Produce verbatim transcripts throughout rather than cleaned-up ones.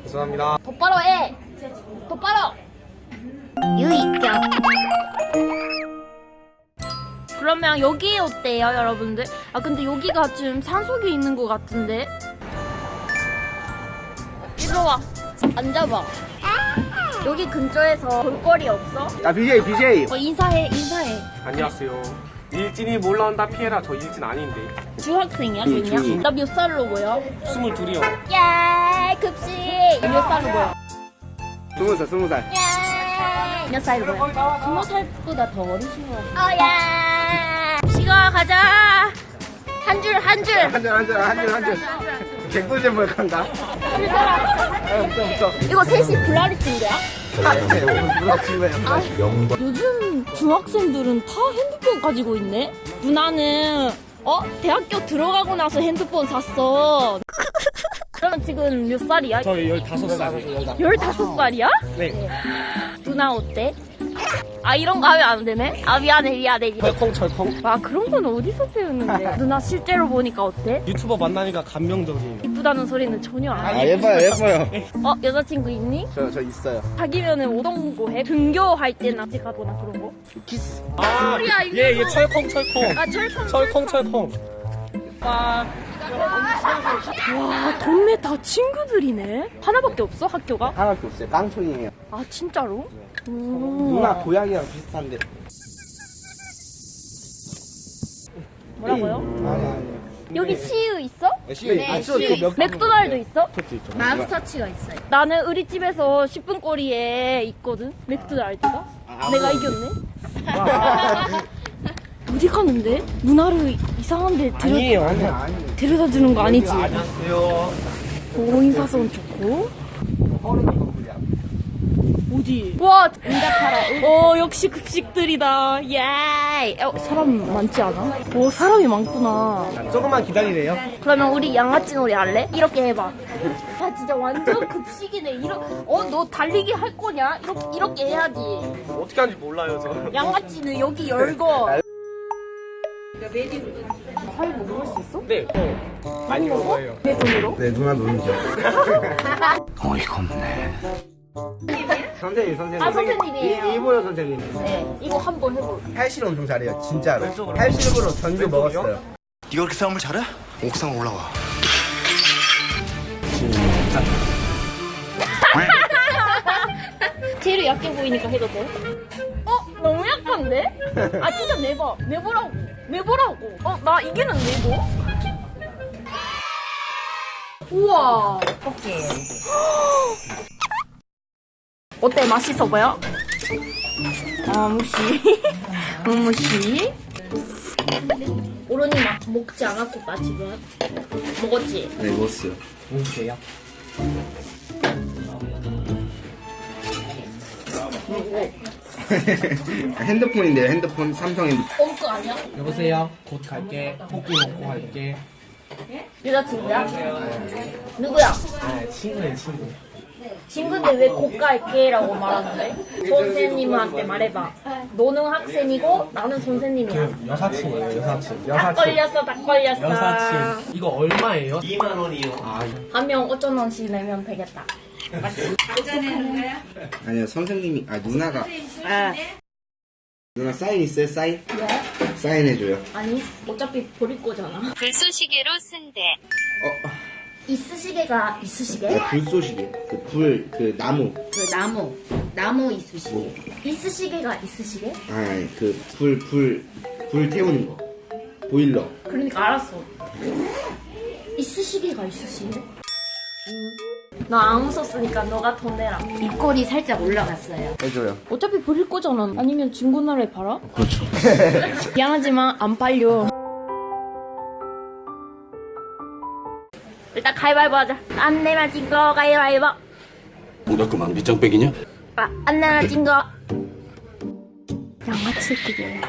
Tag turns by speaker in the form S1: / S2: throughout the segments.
S1: 죄송합니다.
S2: 똑바로 해. 똑바로. 유이경. 그러면 여기 어때요, 여러분들? 아 근데 여기가 좀 산속에 있는 것 같은데. 이리 와. 앉아봐. 여기 근처에서 볼거리 없어?
S1: 야 비제이 비제이.
S2: 어, 인사해, 인사해.
S1: 안녕하세요. 일진이 몰라온다 피해라. 저 일진 아닌데.
S2: 중학생이야,
S1: 응,
S2: 그냥?
S1: 중이.
S2: 나 몇 살로 보여?
S1: 스물둘이요.
S2: 야, 급식. 몇 살로 보여?
S1: 스무 살 스무 살.
S2: 야, 몇 살로 보여? 스무 살보다 더 어리신 것 같아. 어, 야. 시가 가자. 한 줄, 한 줄.
S1: 한줄한줄한줄한줄 개꿀잼 뭘 간다.
S2: 이거 셋이 블라리친구야?
S1: 누가 친구예요?
S2: 아, 요즘 중학생들은 다 핸드폰 가지고 있네? 누나는 어? 대학교 들어가고 나서 핸드폰 샀어. 그러면 지금 몇 살이야?
S1: 저 열다섯 살.
S2: 열다섯 살이야?
S1: 네.
S2: 누나 어때? 아 이런 거 하면 안 되네? 아 미안해 미안해
S1: 철컹 철컹.
S2: 와 그런 건 어디서 배우는데? 누나 실제로 보니까 어때?
S1: 유튜버 만나니까 감명적이에요.
S2: 이쁘다는 소리는 전혀 안
S1: 아
S2: 해.
S1: 예뻐요 예뻐요.
S2: 어? 여자친구 있니?
S1: 저 저 있어요.
S2: 사귀면은 어떤 거 해? 등교할 때나 같이 가거나 그런 거?
S1: 키스.
S2: 소리야, 이거.
S1: 예예 철컹 철컹.
S2: 아 철컹
S1: 철컹 철컹.
S2: 와, 와 동네 다 친구들이네. 하나밖에 없어 학교가?
S1: 하나밖에 없어요. 깡촌이에요.
S2: 아 진짜로? 오.
S1: 누나 고향이랑 비슷한데.
S2: 뭐라고요?
S1: 아니 아니.
S2: 여기 시유 있어?
S1: 네, 아, 시유 있죠. 몇
S2: 맥도날드 있어?
S1: 있죠.
S2: 맘스터치가 있어요. 나는 우리 집에서 십 분 거리에 있거든. 맥도날드가. 내가 이겼네. 어디 가는데? 누나를 이상한데 데려,
S1: 아니에요 아니에요 아니에요.
S2: 데려다 주는 거 아니지?
S1: 안녕하세요.
S2: 고인사선 좋고. 어디? 와, 응답하라. 어, 역시 급식들이다. 예. 어, 사람 많지 않아? 오, 사람이 많구나.
S1: 조금만 기다리래요.
S2: 그러면 우리 양아치 놀이 할래? 이렇게 해봐. 아, 진짜 완전 급식이네. 이러, 어, 너 달리기 할 거냐? 이렇게, 이렇게 해야지.
S1: 어떻게 하는지 몰라요 저.
S2: 양아치는 여기 열고. 사이 뭐 먹을 수 있어?
S1: 네. 어, 많이 먹어요.
S2: 내 돈으로?
S1: 네 누나 눈이죠. 어이가 없네. 선생님 선생님.
S2: 아, 선생님이에요.
S1: 이- 이보여 선생님.
S2: 네. 이거 한번 해볼.
S1: 팔씨름 엄청 잘해요 진짜로. 팔씨름으로 전주 먹었어요.
S3: 네가 그렇게 싸움을 잘해? 옥상 올라와.
S2: 제일 약해 보이니까 해도 돼? 어? 너무 약한데? 아 진짜 내봐 내보라고 내보라고 어? 나 이기는 내보? 우와 오케이 어때? 맛있어 보여? 아 무시 무시 오른이 막 먹지 않았을까 지금? 먹었지?
S1: 네 먹었어요. 먹으세요. 핸드폰인데요 핸드폰 삼성 핸드폰.
S2: 엉크 아니야?
S1: 여보세요. 곧 갈게. 고기 먹고 갈게.
S2: 여자친구야? 누구야?
S1: 아 친구네 친구.
S2: 친구인데 왜 고갈게라고 말하는데? 선생님한테 말해봐. 너는 학생이고 나는 선생님이야.
S1: 여사친이에요 여사친.
S2: 딱 걸렸어, 딱 걸렸어.
S1: 여사친. 이거 얼마예요? 이만 원이요. 아
S2: 한 명 오천 원씩 내면 되겠다.
S4: 아니요 선생님이 아 누나가
S2: 아,
S4: 누나 사인 있어요 사인?
S2: 왜?
S4: 사인해줘요.
S2: 아니, 어차피 버릴 거잖아.
S5: 불쏘시개로 쓴대.
S4: 어
S2: 이쑤시개가 이쑤시개?
S4: 아, 불쏘시개 그 불 그 나무
S2: 그 나무, 나무 이쑤시개. 이쑤시개가 이쑤시개?
S4: 아니 그 불 불 불 태우는 거 보일러.
S2: 그러니까 알았어. 이쑤시개가 이쑤시개? 너 안 웃었으니까 너가 돈 내라.
S5: 입꼬리 살짝 올라갔어요.
S4: 해줘요.
S2: 어차피 버릴 거잖아. 아니면 중고나라에 팔아? 그렇죠. 미안하지만 안 팔려. 일단 가위바위보 하자. 안 내면 진 거 가위바위보.
S6: 뭐랄까만 밑장빼기냐?
S2: 아, 안 내면 진 거. 양아치 새끼들.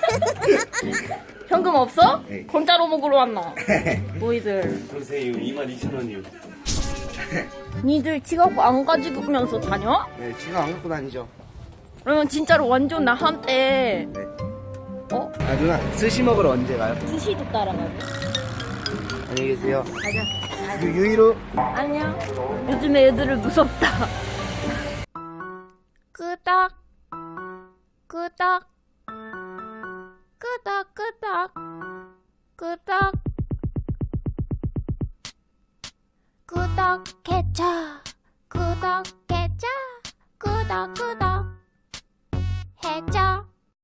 S2: 현금 없어?
S4: 네.
S2: 공짜로 먹으러 왔나? 너희들.
S6: 선생님 이만 이천 원이요.
S2: 니들 지갑 안 가지고면서 다녀?
S4: 네 지금 안 갖고 다니죠.
S2: 그러면 진짜로 완전 나한테
S4: 네.
S2: 어?
S4: 아 누나 스시 먹으러 언제 가요?
S2: 스시도 따라가고.
S4: 안녕히 계세요.
S2: 가자.
S3: 유유이로.
S2: 안녕. 요즘에 애들을 무섭다. 끄덕. 끄덕. 끄덕, 끄덕. 끄덕. 구독해줘. 구독해줘. 구독, 구독.